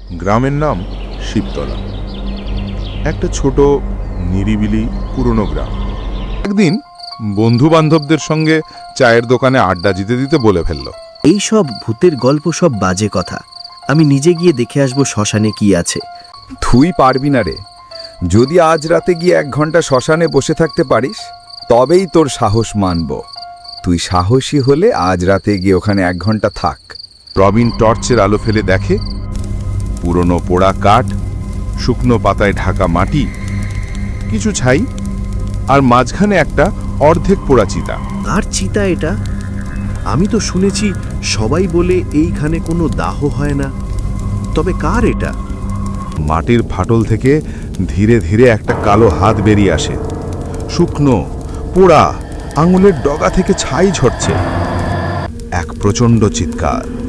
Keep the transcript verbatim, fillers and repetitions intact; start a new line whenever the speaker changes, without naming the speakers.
গ্রামের নাম শিবতলা। একটা ছোট নিরিবিলি পুরনো গ্রাম। একদিন বন্ধু বান্ধবদের সঙ্গে চায়ের দোকানে আড্ডা দিতে দিতে বলে ফেলল,
এই সব ভূতের গল্প সব বাজে কথা। আমি নিজে গিয়ে দেখে আসবো শ্মশানে কি আছে।
তুই পারবি না রে। যদি আজ রাতে গিয়ে এক ঘন্টা শ্মশানে বসে থাকতে পারিস তবেই তোর সাহস মানব। তুই সাহসী হলে আজ রাতে গিয়ে ওখানে এক ঘন্টা থাক।
প্রবীণ টর্চের আলো ফেলে দেখে পুরনো পোড়া কাঠ, শুকনো পাতায় ঢাকা মাটি, কিছু ছাই, আর মাঝখানে একটা অর্ধেক পোড়া চিতা।
আর চিতা এটা? আমি তো শুনেছি সবাই বলে এইখানে কোনো দাহ হয় না। তবে কার এটা?
মাটির ফাটল থেকে ধীরে ধীরে একটা কালো হাত বেরিয়ে আসে। শুকনো পোড়া, আঙুলের ডগা থেকে ছাই ঝরছে। এক প্রচণ্ড চিৎকার,